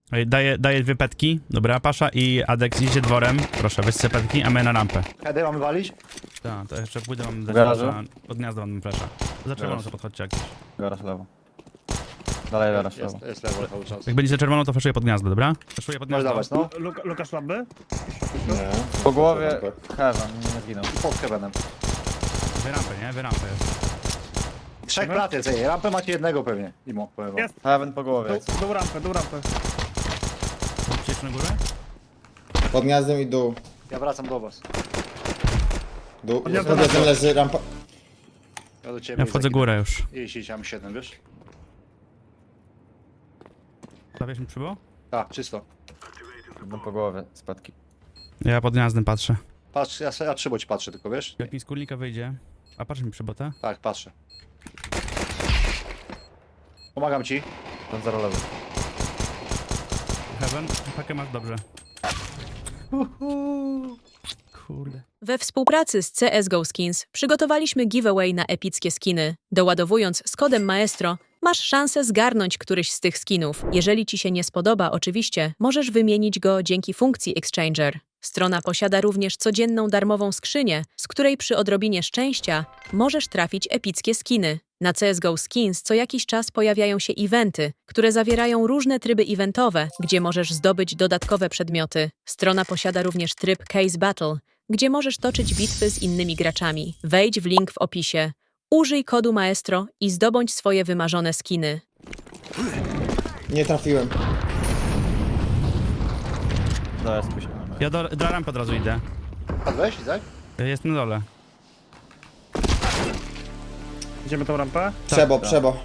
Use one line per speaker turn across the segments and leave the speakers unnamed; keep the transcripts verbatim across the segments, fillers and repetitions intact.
Ej, Daję, daję dwie petki. Dobra, Pasza i Adex idzie dworem. Proszę, weź sobie petki, a my na rampę.
Hedy mamy walić?
Tak, to jeszcze pójdę, mam dać
Garażu?
flasha. Pod gniazdo mam flasha. Za czerwoną
Garaż.
to podchodźcie jakieś.
Garaż lewo. Dalej garaż lewo.
Jest, jest lewo cały czas.
Jak będziecie czerwoną, to flashuję pod gniazdo, dobra? Flashuję pod
Możesz
gniazdo.
dawać, no.
Luk Lukasz Labby?
Nie.
Po głowie Heaven, nie zginął.
I pod Kevenem.
Wy rampę, nie? Wy rampę jest.
Trzech plat jest, ej. Rampę macie jednego pewnie. Imo, powiem wam.
Jest.
Heaven po głowie.
Dół, dół rampę, dół rampę.
Chcecie na górę?
Pod gniazdem i dół.
Ja wracam do was.
Dół.
Pod gniazdem
Pod gniazdem leży rampa.
Ja do ciebie.
Ja wchodzę górę już.
Jeśli mam siedem, wiesz?
Stawiasz mi przybo?
Tak, czysto.
Idą po głowie, spadki.
Ja pod gniazdem patrzę.
Patrz, ja, ja przybo ci patrzę tylko, wiesz?
Jak mi z kurnika wyjdzie. A patrz mi przybota.
Tak, patrzę. Pomagam ci.
Ten zero lewy.
Heaven, pakę masz dobrze. Kurde.
We współpracy z C S G O Skins przygotowaliśmy giveaway na epickie skiny. Doładowując z kodem Maestro, masz szansę zgarnąć któryś z tych skinów. Jeżeli ci się nie spodoba, oczywiście, możesz wymienić go dzięki funkcji Exchanger. Strona posiada również codzienną darmową skrzynię, z której przy odrobinie szczęścia możesz trafić epickie skiny. Na C S G O Skins co jakiś czas pojawiają się eventy, które zawierają różne tryby eventowe, gdzie możesz zdobyć dodatkowe przedmioty. Strona posiada również tryb Case Battle, gdzie możesz toczyć bitwy z innymi graczami. Wejdź w link w opisie. Użyj kodu Maestro i zdobądź swoje wymarzone skiny.
Nie trafiłem.
Daję spójrz.
Ja do, do rampy od razu idę.
Padłeś, tak?
Jest na dole.
Idziemy tą rampę.
Przebo,
tak.
przebo.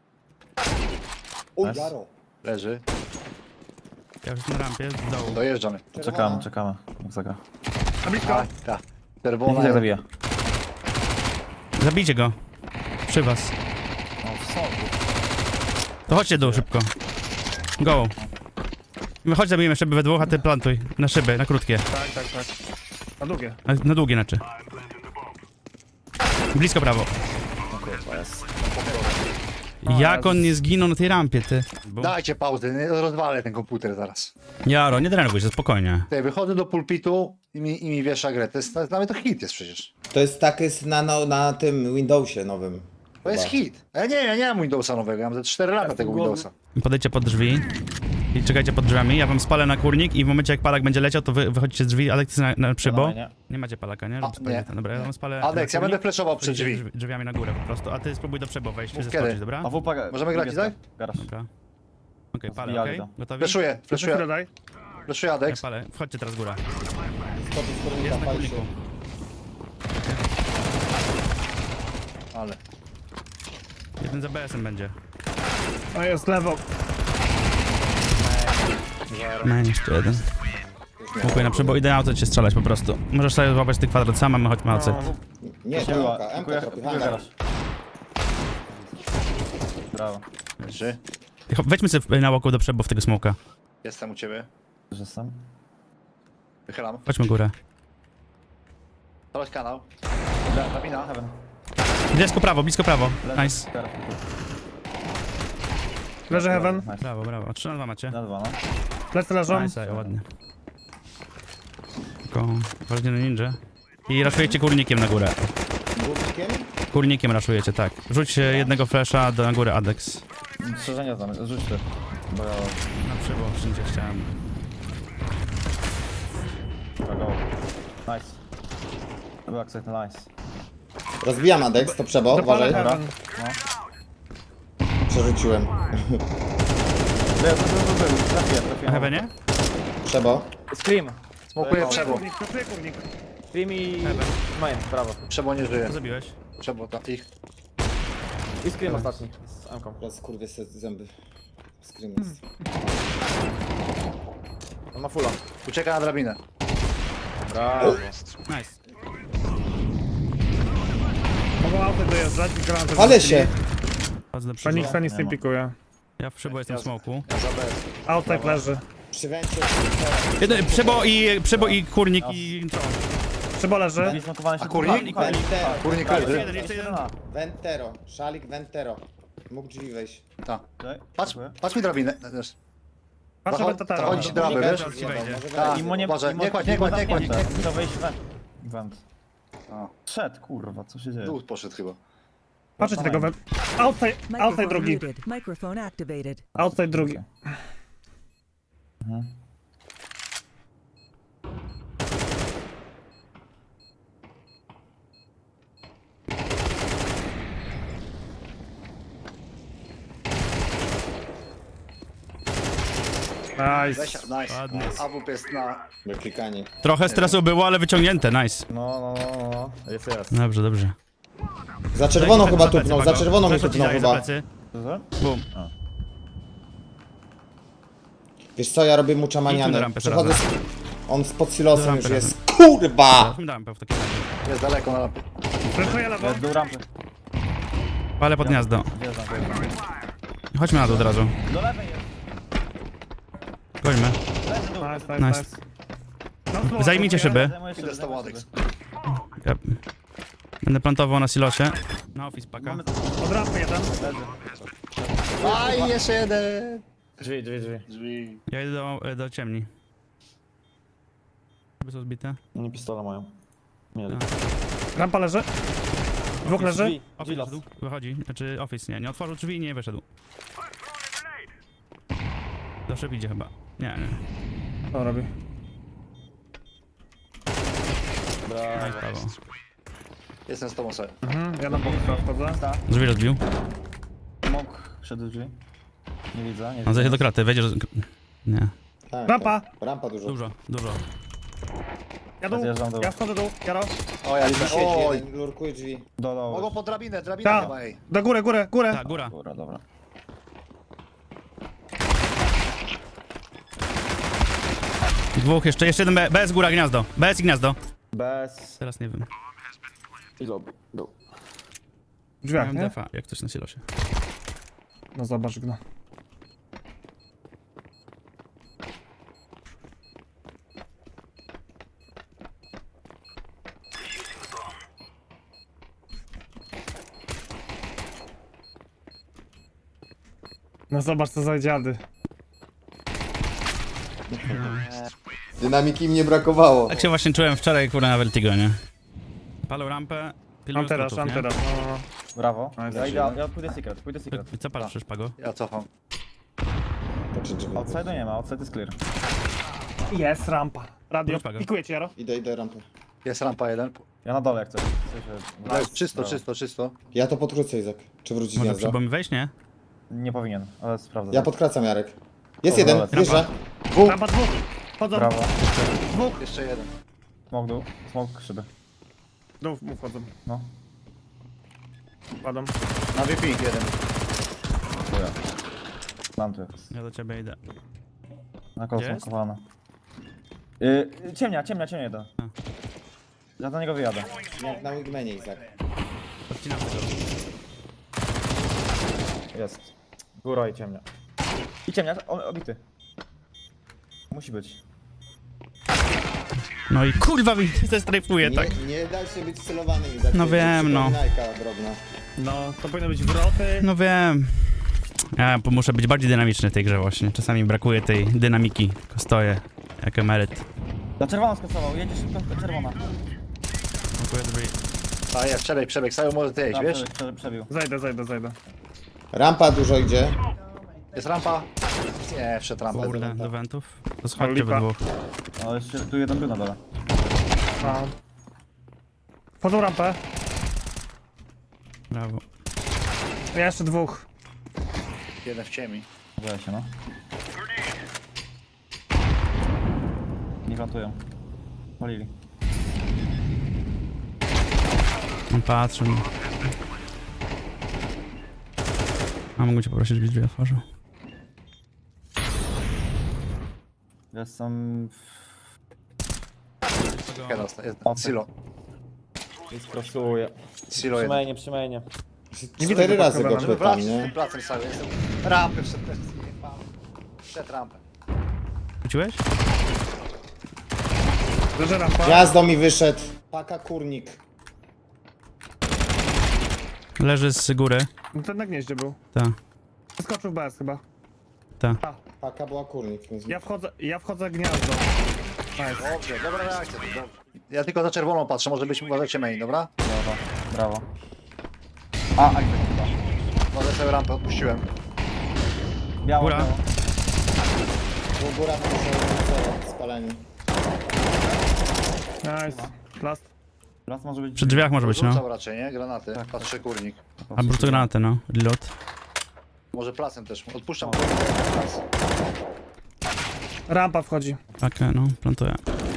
Uj,
Nice.
Jaro.
Leży.
Ja już jestem na rampie, z dołu.
Dojeżdżamy.
Czekamy, czekamy. Jak zagra.
Na blisko.
Tak, tak.
Nie
Czerwona.
widzę jak zabija.
Zabijcie go. Przy was. To chodźcie dół szybko. Go. My chodź zabijemy szyby we dwóch, a ty plantuj. Na szyby, na krótkie.
Tak, tak, tak. Na długie.
Na, na długie znaczy. Blisko prawo. Jak on nie zginął na tej rampie, ty? Bo...
Dajcie pauzę, nie rozwalę ten komputer zaraz.
Jaro, nie denerwuj się, spokojnie.
Ty, wychodzę do pulpitu i mi, i mi wiesza grę. To jest, dla mnie to hit jest przecież.
To jest tak jest na, na, na tym Windowsie nowym.
To jest
Chyba.
hit. A ja nie, ja nie mam Windowsa nowego, ja mam ze cztery lata tego Windowsa.
Podejdźcie pod drzwi i czekajcie pod drzwiami. Ja wam spalę na kurnik i w momencie jak palak będzie leciał, to wy wychodzicie z drzwi, ale ty na, na przybo.
Dawaj, nie.
Nie macie palaka, nie? Żeby
A,
spalić
nie.
ten. Dobra, ja wam spalę.
Adeks,
na
ja będę
kurnik,
flashował przed
wchodzicie
drzwi.
drz- drzwiami na górę po prostu, a ty spróbuj do przybo wejść,
Mów
zeskoczyć,
kiedy.
dobra?
A wupa,
Możemy grać, tak?
Garaż.
Dobra. Okej, palę,
Zbijali
okej?
to.
Gotowi?
Fleszuję,
Chwilę
fleszuję,
daj.
fleszuję
Ja
Adeks.
palę. Wchodźcie teraz góra.
Skoczy z kurnika,
Jest na
pali się.
kurniku.
Ale.
Jeden za B S-em będzie.
O, jest lewo.
No, jeszcze jeden. Dziękuję na przybo. Idę auto cię strzelać po prostu. Możesz sobie złapać ten kwadrat sam, a my chodźmy auto.
Nie, to
Dziękuję,
M K, M K
dziękuję,
tropi,
dziękuję,
hangar.
garaż. Brawo.
Leży.
Wejdźmy sobie na łoku do przebo w tego smoka.
Jestem u ciebie.
Że sam?
Wychylam.
Chodźmy górę.
Spalać kanał. Drabina.
Heaven.
Blisko prawo, blisko prawo.
Leży.
Nice.
Garaż.
Leży Heaven.
Nice.
Brawo, brawo. trzy na dwa macie.
Na dwa, no.
Plecy leżą.
Nice, ej, ładnie. Tylko ważnie na ninja. I raszujecie kurnikiem na górę.
Górnikiem?
Kurnikiem raszujecie, tak. Rzuć e, jednego flasha do na górę Adex.
Strzeżenia znam, rzuć ty. Bo ja...
Na przybo, wszędzie chciałem.
Dobra, go. Nice. To był akcent, nice.
Rozbijam Adex, to przebo,
Dopalę
uważaj.
Heaven.
Przerzuciłem.
Był, był, był, był. Trafiłem,
Na
trafiłem.
heavenie?
Przebo.
Scream.
Smokuję przebo.
Kurnik, pracuję kurnik.
Scream i... Main, brawo.
Przebo nie żyje.
Co zabiłeś?
Przebo, ta, ich.
I Scream ostatni. Z Amką.
Teraz kurwie se zęby. Screen jest.
On ma fulla.
Ucieka na drabinę.
Brawo.
Nice.
Mogą auto dojeżdżać i granaty
Ale
wrzucili.
się!
Chodzę do przybo.
Feniksa nic
Nie
nie
ma.
pikuje.
Ja w przybo jestem w smoku.
Ja za B S.
Outside leży.
Przywęcie.
Jeden, przybo i, przybo i kurnik i... To.
Przybo leży.
Zesmakowany się
A kurnik?
dwóch.
Ventero.
Kurnik
Tak,
leży.
Jeden, jeszcze jeden.
Ventero. Szalik Ventero. Mógł drzwi wejść.
Ta.
Okej,
Patrz,
dziękuję.
patrz mi drabinę. Też.
Patrzę
Zacho-
Bentatera.
Chodź drabę,
Kurnika
wiesz?
już
Ci wejdzie.
zjebał, może
Tak.
wejdzie.
Imo nie,
Boże,
imo,
nie kładź,
imo
nie kładź, nie kładź,
zamknięte.
nie kładź.
To wejść we... Went.
A,
Szedł, kurwa, co się dzieje?
dół poszedł chyba.
Patrzę ci tego we... Outside, outside
Microphone
drugi.
muted. Microphone activated.
Outside drugi.
Mhm.
Nice.
Weź, nice.
Ładnie.
A W P jest na...
Wyklikanie.
Trochę stresu było, ale wyciągnięte, nice.
No, no, no, no, jest, jest.
Dobrze, dobrze.
Za czerwoną
Za
chyba
plecy,
tupnął, za
Pago.
czerwoną mi
Flasha ci
tupnął
daję za
chyba.
plecy.
Co?
Bum.
Wiesz co, ja robię mu
Idźmy do
czamanianę.
rampy
Przechodzę
teraz.
z... On spod silosem
Do
już
rampy
jest. Kurwa!
Teraz mi dałem w takim razie.
Jest daleko na lampie.
Flashuję lewo.
Jest dół rampy.
Palę pod gniazdo.
Wjeżdżam, wjeżdżam.
Chodźmy na dół od razu.
Do lewej jest.
Gońmy.
Leży dół.
Nice, nice,
Nice.
nice. No, smoke,
Zajmijcie
smokuję.
szyby.
Zajmuję
Idę
szyby,
z tobą,
zajmuję
Adex.
szyby.
Ja będę plantował na silosie. Na office paka.
Mamy
Od rampy jeden.
leży.
Aj, jeszcze jeden!
Drzwi, drzwi, drzwi.
Drzwi.
Ja idę do, do ciemni. Żeby są zbite.
Oni pistola mają. Mieli.
Rampa leży. Dwóch leży.
Drzwi, drzwi
Office
las.
wyszedł. Wychodzi. Znaczy office nie. Nie otworzył drzwi i nie wyszedł. Do szyb idzie chyba. Nie, nie.
Co robi?
Nice, prawo.
Jestem z tobą sobie.
Mhm, ja na bok wchodzę.
Drzwi rozbił.
Mok przed drzwi. Nie widzę, nie
On
widzę.
zajdzie do kraty. Wejdzie, że... Nie.
Tak,
Rampa.
tak. Rampa dużo.
Dużo, dużo.
Ja dół.
Zjeżdżam dół.
Ja wchodzę dół. Jaro.
O, ja
Drzwi
widzę.
siedzi,
Oj!
jeden lurkuje drzwi.
Do
Mogą
dołu.
pod drabinę, drabinę
Ta.
chyba, ej.
Do góry, górę, górę.
Tak, góra.
Dobra, dobra.
Dwóch jeszcze. Jeszcze jeden B. B jest góra, gniazdo. B jest i gniazdo.
Bez...
Teraz nie wiem.
I lobby. Dół.
W drzwiach,
Miałem
nie?
defa, jak coś na silosie.
No zobacz go. No zobacz co za dziady.
Dynamiki im nie brakowało.
Tak się właśnie czułem wczoraj, kurwa, na Vertigo, nie? Palą rampę, pilnują
Mam teraz,
skrótów,
mam
nie?
teraz. No, no.
Brawo.
Nice.
Ja idę, ja pójdę secret, pójdę secret.
Co patrzysz, Pago?
Ja cofam.
Patrzę drzwi.
Outside'u nie ma, outside jest clear.
Jest rampa. Radio.
Wróć, Pago.
Pikuję cię, Jaro.
Idę, idę rampę.
Jest rampa jeden.
Ja na dole jak coś. W sensie-
Ale czysto,
Brawo.
czysto, czysto.
Ja to podkrócę, Izak. Czy wrócić
Może
gniazdo?
trzeba mi wejść, nie?
Nie powinien, ale sprawdzę.
Ja podkracam, Jarek. Jest
Dobra,
jeden,
dobra.
wjeżdża.
Rampa dwóch. Chodzą.
Brawo.
Jeszcze jeden.
Smok dół, smok szyby.
Dół mu wchodzą.
No.
Kładą.
Na V P jeden.
Dziękuję. Mam tu jest.
Ja do ciebie idę.
Na koło
Gdzie jest?
smokowane. Yy, ciemnia, ciemnia, ciemnia jeden. Ja do niego wyjadę.
Jak na wingmanie, Izak.
Odcinam tego.
Jest. Góra i ciemnia. I ciemnia, on obity. Musi być.
No i kurwa mi się strajfuje, tak.
Nie, nie da się być celowany, Izak.
No
To jest
wiem, no.
przypominajka drobna.
No, to powinno być wroty.
No wiem. Ja po- muszę być bardziej dynamiczny w tej grze właśnie. Czasami brakuje tej dynamiki. Tylko stoję jak emeryt.
Na czerwono skasował, jedzie szybko, to czerwona.
Dziękuję, drzwi.
A jest, przebieg, przebieg. Sajo może ty jeść,
Tak,
wiesz?
prze- prze- przebił.
Zajdę, zajdę, zajdę.
Rampa dużo idzie.
Jest rampa. Nie, wszedł rampa.
Kurde, do wentów. To schodźcie we
lipa.
dwóch.
Ale jeszcze tu jeden był na dole.
A. Wchodzą rampę.
Brawo.
Ja jeszcze dwóch.
Jeden w ciemi.
Boję się, no. Nie plantują. Walili.
On patrzy. A mógł cię poprosić, żebyś drzwi otworzył.
Jestem...
Jeden jest.
O,
Silo.
I skrosuje.
Silo jeden.
Przymajnie, przymajnie.
Cztery razy go
Żeby
pytam,
wracać z tym
nie?
placem Sajo. Jestem. Rampę wszedł też. Wszedł rampę.
Rzuciłeś?
Leży rampa.
Gniazdo mi wyszedł. Paka kurnik.
Leży z góry.
No ten na gnieździe był.
Ta,
Skoczył w B S chyba.
ta.
A,
Paka była kurnik. Więc...
Ja wchodzę, ja wchodzę gniazdo. Nice.
Dobrze, dobra reakcja. Dobrze. Ja tylko za czerwoną patrzę, może być uważajcie main, dobra?
Brawo, brawo. A, a chyba.
Może sobie rampę odpuściłem.
Biało,
Góra.
biało.
Był góra na zero, spaleni.
Nice. Last.
Las może być...
Przy drzwiach może być, no.
Rzucał raczej, nie? Granaty.
Tak,
Patrzę kurnik.
Albo rzucę granatę, no. Reload.
Może plasem też. Odpuszczam. Plas.
Rampa wchodzi.
Okej, no, plantuję.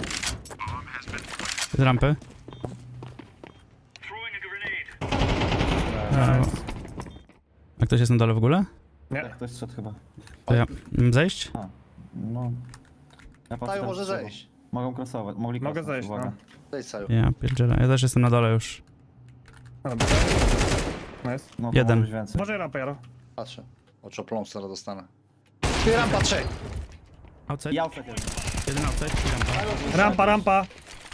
Z rampy. Brawo. A ktoś jest na dole w ogóle?
Nie.
Tak, ktoś szedł chyba.
To ja... Mam zejść?
A, no... Ja patrzę
Saju
teraz
może
z tyłu.
zejść.
Mogą crossować, mogli
Mogę
crossować,
zejść,
uwaga.
no.
Zejdź Saju.
Ja pierdzielę. Ja też jestem na dole już.
Dobra. Nice.
No, to
Jeden.
może być więcej.
Może rampę, Jaro.
Patrzę. Oczopląs zaraz dostanę. Ty rampa trzech.
Outside?
I outside jeden.
Jeden outside i rampa.
Rampa, rampa.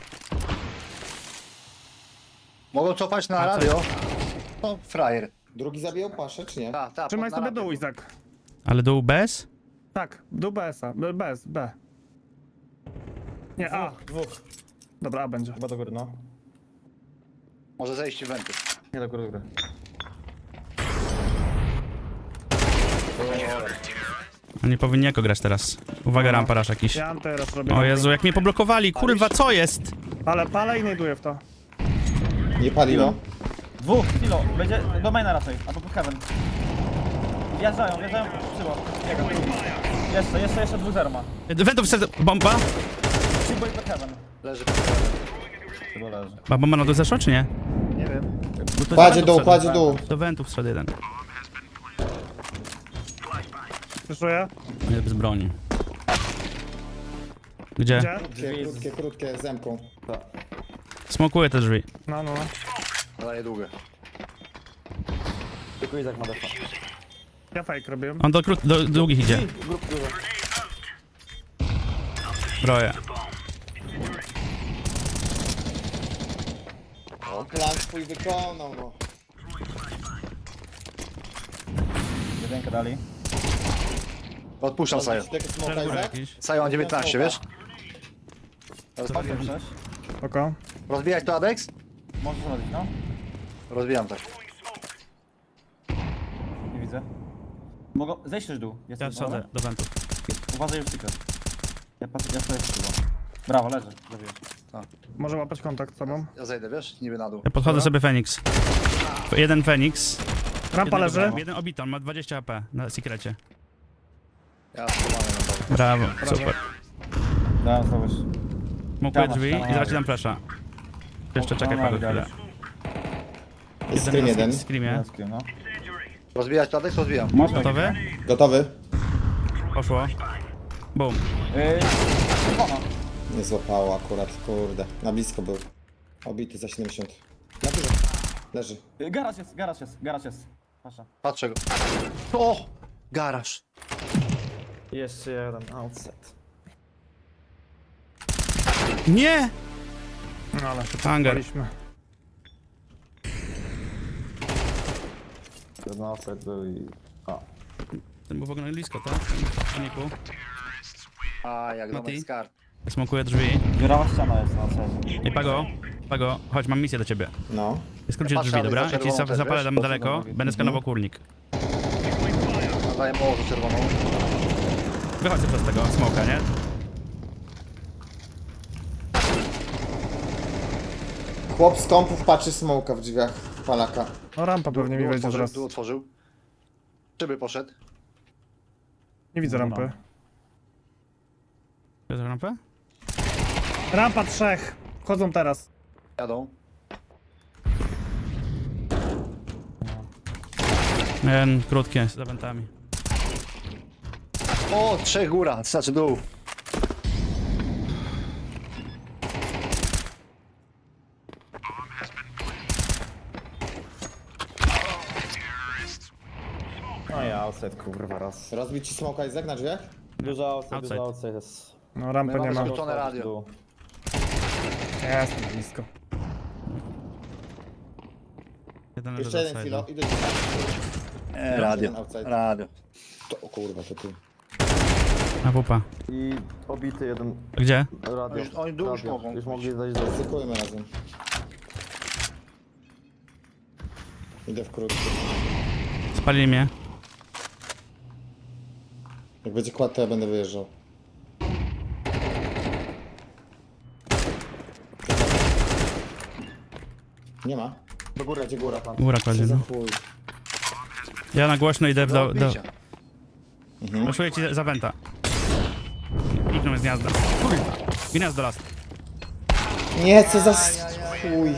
Mogą cofać na
A, co?
radio. No, frajer.
Drugi zabijał paszę, czy nie?
Ta, ta,
Trzymaj
pod- na
sobie
rampie
dół,
był.
Izak.
Ale dół bez?
Tak, dół B S-a. B- Bez, B. Nie, A.
Dwóch.
Dobra, A będzie.
Chyba do góry, no.
Może zejść w wenty.
Nie do góry, do góry.
Oni powinni jako grać teraz. Uwaga, rampa rasz jakiś.
Ja mam teraz robię.
O Jezu, jak mnie poblokowali, kurwa, co jest?
Ale palę i znajduję w to.
Nie paliło.
Dwóch, kilo, będzie do maina raczej, albo pod heaven. Wjeżdżają, wjeżdżają, przyło. Jeszcze, jeszcze, jeszcze dwóch zero ma.
Wentów serce... Bomba?
Przybo i pod heaven.
Leży.
Chyba leży.
Ma bomba na dół zeszła, czy nie?
Nie wiem.
Bo to
Kładzie
do
dół,
wentów
kładzie
wszedł.
dół.
Do wentów wszedł jeden.
Słyszuję?
Nie, bez broni. Gdzie?
Gdzie?
Krótkie, krótkie, krótkie, zemką.
Smokuję te drzwi.
No, no.
Daję długie.
Tylko Izak ma defa.
Ja fake robiłem.
On do, krót... do długich idzie. Broję.
Plan swój wykonał, no.
Jedynkę dali.
Odpuszczam Saju.
Tego smoka,
Góra
Izak?
jakiś.
Saju mam dziewiętnaście, wiesz?
Osiem, sześć.
Oko.
Rozbijać to Adex?
Możesz zrobić, no.
Rozbijam tak.
Nie widzę. Mogą... Zejść też dół.
Ja
Jesteś
schodzę do wentów.
Uważaj już secret. Ja patrzę, ja stoję z tyłu. Brawo, leży. Zabijesz.
Może łapać kontakt z sobą.
Ja zejdę, wiesz? Niby na dół.
Ja podchodzę sobie Fenix. Jeden Fenix.
Rampa
Jednego
leży.
brałem. Jeden obity, on ma dwadzieścia H P na sekrecie.
Ja schowany na dole.
Brawo, super.
Dałem zrobisz.
Smokuję
Ściana,
drzwi
ściana
i zaraz ci
na
dam flasha. Jeszcze
O,
czekaj
no,
Paweł
dali.
chwilę.
Jest screen jeden.
W screamie.
No.
Rozbijać to Adex? Rozbijam.
Można.
Gotowy?
Gotowy?
Poszło. Boom.
Yy, czerwona.
Nie złapało akurat, kurde. Na blisko był. Obity za siedemdziesiąt. Na górze. Leży.
Yy, Garaż jest, garaż jest, garaż jest. Pasza.
Patrzę go. O! Garaż.
Jeszcze jeden outset.
Nie!
No ale się
Hangar.
paliśmy.
Jeden outset był i... A.
Ten był w ogóle blisko, tak? Paniku.
A, jak
Mati?
domek z kart.
Smokuję drzwi.
Dziurawa ściana jest na outset.
Ej, Pago, Pago, chodź, mam misję do ciebie.
No.
Skrócić
Patrzę,
drzwi,
ale
dobra?
za
Ja ci
czerwoną
za-
też,
zapalę
wiesz?
tam daleko, będę skanował kurnik.
Daję morzu czerwoną.
Wychodź sobie przez tego smoka, nie?
Chłop z kompów patrzy smoka w drzwiach Palaka.
No rampa pewnie mi
Tu
wejdzie
otworzył,
zaraz.
tu otworzył. Szyby poszedł.
Nie widzę rampy.
Bierz rampę?
Rampa trzech. Wchodzą teraz.
Jadą.
Jeden, krótkie, z wentami.
O, trzech góra, znaczy dół.
No i outset, kurwa, raz.
Rozbić ci smoka Izak na drzwiach?
Dużo outset,
Outside.
dużo outset jest.
No
My
rampy nie
mamy
ma.
skrócone radio.
Dół.
Jest blisko.
Jeden leży
Jeszcze
do
jeden
side'u.
kilo. Idę.
E, radio.
Outside.
Radio.
To, o kurwa, to tu.
Na pupa.
I obity jeden
Gdzie?
radio.
Już- oni dół już
radio.
mogą
Już
być.
mogli zejść do...
Ryzykujmy razem. Idę w krótki.
Spalili mnie.
Jak będzie kład, to ja będę wyjeżdżał. Nie ma.
Do góry, gdzie góra pan.
Góra kładzie,
Co za
no.
chuj.
Ja na głośno idę w do... do...
Bicia.
Poszuję ci za wenta. Kliknął z gniazda. Gniazdo las.
Nie, co za s- chuj.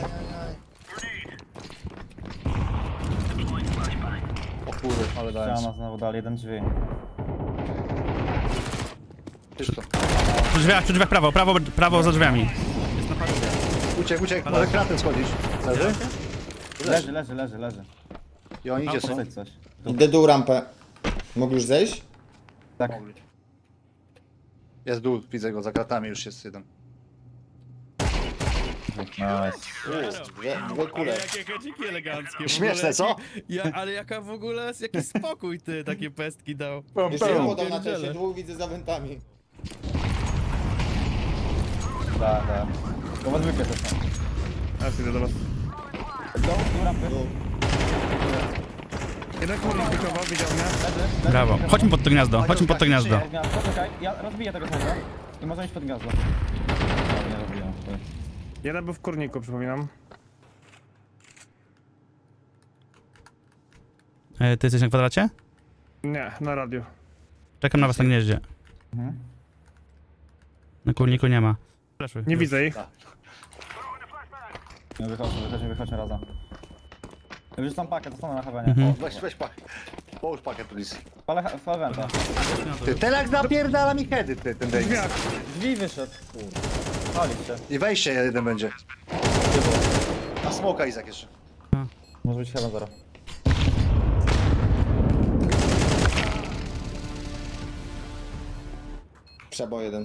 O kurde, ale dałem.
Ściana znowu dali, jeden drzwi.
Czysto.
Przy drzwiach, przy drzwiach prawo, prawo, prawo za drzwiami.
Uciek, uciek, może kratem schodzić. Leży?
Leży, leży, leży, leży.
I oni gdzie są?
Posadź coś.
Idę dół rampę. Mogli już zejść?
Tak.
Jest dół, widzę go, za kratami już jest jeden.
Nice.
Dwie, dwie kule.
Jakie hedziki eleganckie.
Śmieszne, co?
Ja, ale jaka w ogóle, jaki spokój ty takie pestki dał.
Jeszcze ja podał na
Pierdziele.
czasie, dwóch widzę za wentami.
Tak, tak. To was zwykle też tam.
Ja idę do was.
Do, do rampy.
Jeden kurnik wykował, widział mnie.
Leży, leży.
Brawo. Chodźmy pod to gniazdo, chodźmy pod to gniazdo.
Pod gniazdo, poczekaj, ja rozbiję tego smoka. I możemy iść pod gniazdo. No, nie rozbijam. to jest-
Jeden był w kurniku, przypominam.
E, ty jesteś na kwadracie?
Nie, na radiu.
Czekam na was na gnieździe.
Mhm.
Na kurniku nie ma. Fleszuj.
Nie widzę ich.
No wychodźmy, wychodźmy, wychodźmy razem. Ja już tam pakę, zostanę na hawenie.
Mhm.
O,
Weź, weź pakiet. Połóż pakiet, please.
Palę, palę węta.
Ty, Telak napierdala mi heady, ty, ten Davis.
Drzwiach.
Drzwi wyszedł. Pali się.
I wejście jeden będzie. A smoka Izak jeszcze.
Może być heaven zero.
Przebo jeden.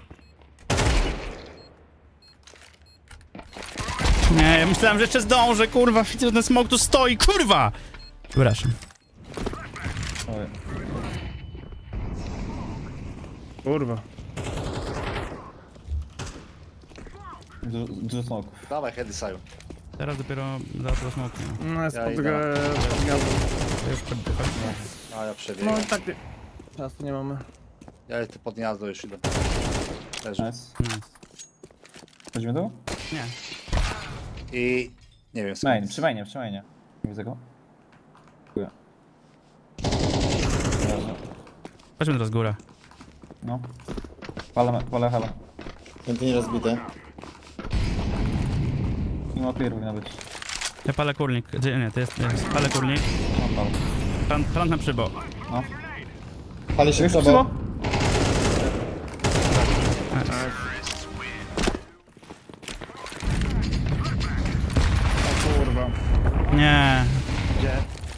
Nie, ja myślałem, że jeszcze zdążę, kurwa. Widzę, że ten smok tu stoi, kurwa! Przepraszam.
Oj.
Kurwa.
Dużo, dużo smoków.
Dawaj heady, Saju.
Teraz dopiero za to smok. Nie?
No jest
Ja
pod
idę.
gę- gniazdo.
To już poddychać.
A ja
No
przebiegam.
i tak nie. Czasu nie mamy.
Ja jestem pod gniazdo już idę. Leży.
Nice.
Nice.
Chodzimy tu?
Nie.
I... nie wiem,
Main,
skąd.
przy mainie, przy mainie. Nie widzę go. Dziękuję. Dobrze.
Chodźmy teraz górę.
No. Palę, palę heaven.
Pięty nie rozbite.
Mimo clear powinno być.
Ja palę kurnik. Gdzie- Nie, to jest, jest. Palę kurnik.
No, palę.
Plan, plan na przybo.
No.
Pali się
Już
przebo.
przyło?
O kurwa.
Nie.
Gdzie?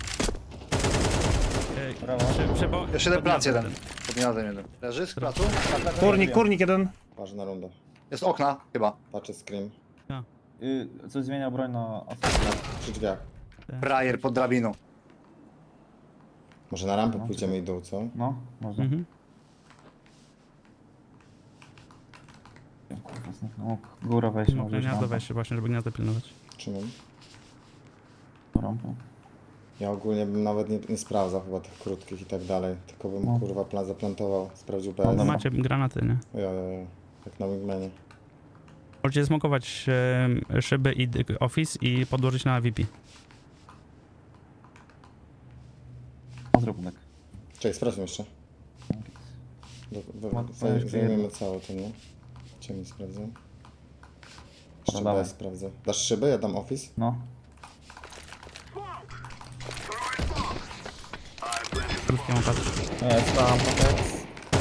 Ej,
Brawo.
przy, przybo.
Jeszcze jeden plac jeden. Pod gniazdem jeden. Leży z placu?
Kurnik, kurnik jeden.
Ważna runda.
Jest okna, chyba.
Patrzę scream.
Y, coś zmienia broń na...
Przy drzwiach.
Frajer pod drabiną.
Może na rampę pójdziemy i dół, co?
No, można.
Mhm.
Kurwa, zniknął. Góra wejść,
No,
może iść
gniazdo
rampa.
weź się właśnie, żeby gniazdo pilnować.
Trzymam.
Rampą.
Ja ogólnie bym nawet nie, nie sprawdzał chyba tych krótkich i tak dalej. Tylko bym
No.
kurwa plan zaplantował, sprawdził P
No,
S.
No
dobra.
macie granaty, nie?
Jo, jo, jo. Jak na wingmanie.
Możecie smokować e, szyby i d- office i podłożyć na V P.
No, zrób tak.
Czekaj, sprawdźmy jeszcze. Do, do,
Ma-
zaj,
ma jeszcze
zajmiemy
jedno.
całe to, nie? Ciemnie sprawdzę. Jeszcze
No dawaj.
B sprawdzę. Dasz szyby? Ja dam office?
No.
Krótkie mam patrzeć.
Jest tam, powiedz.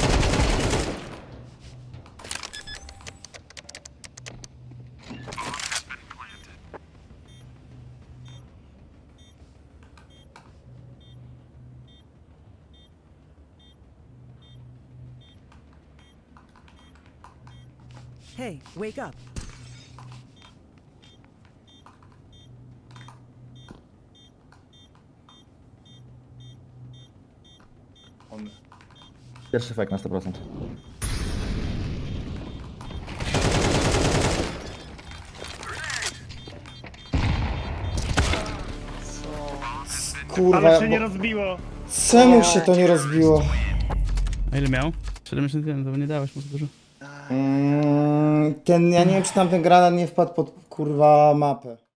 Hey, wake up.
On...
Pierwszy fake na sto procent.
Kurwa,
Ale się
bo...
nie rozbiło.
czemu się to nie rozbiło?
A ile miał? siedemdziesiąt jeden, to nie dałeś mu za dużo.
Mm, ten, ja nie wiem, czy tam ten granat nie wpadł pod kurwa mapę.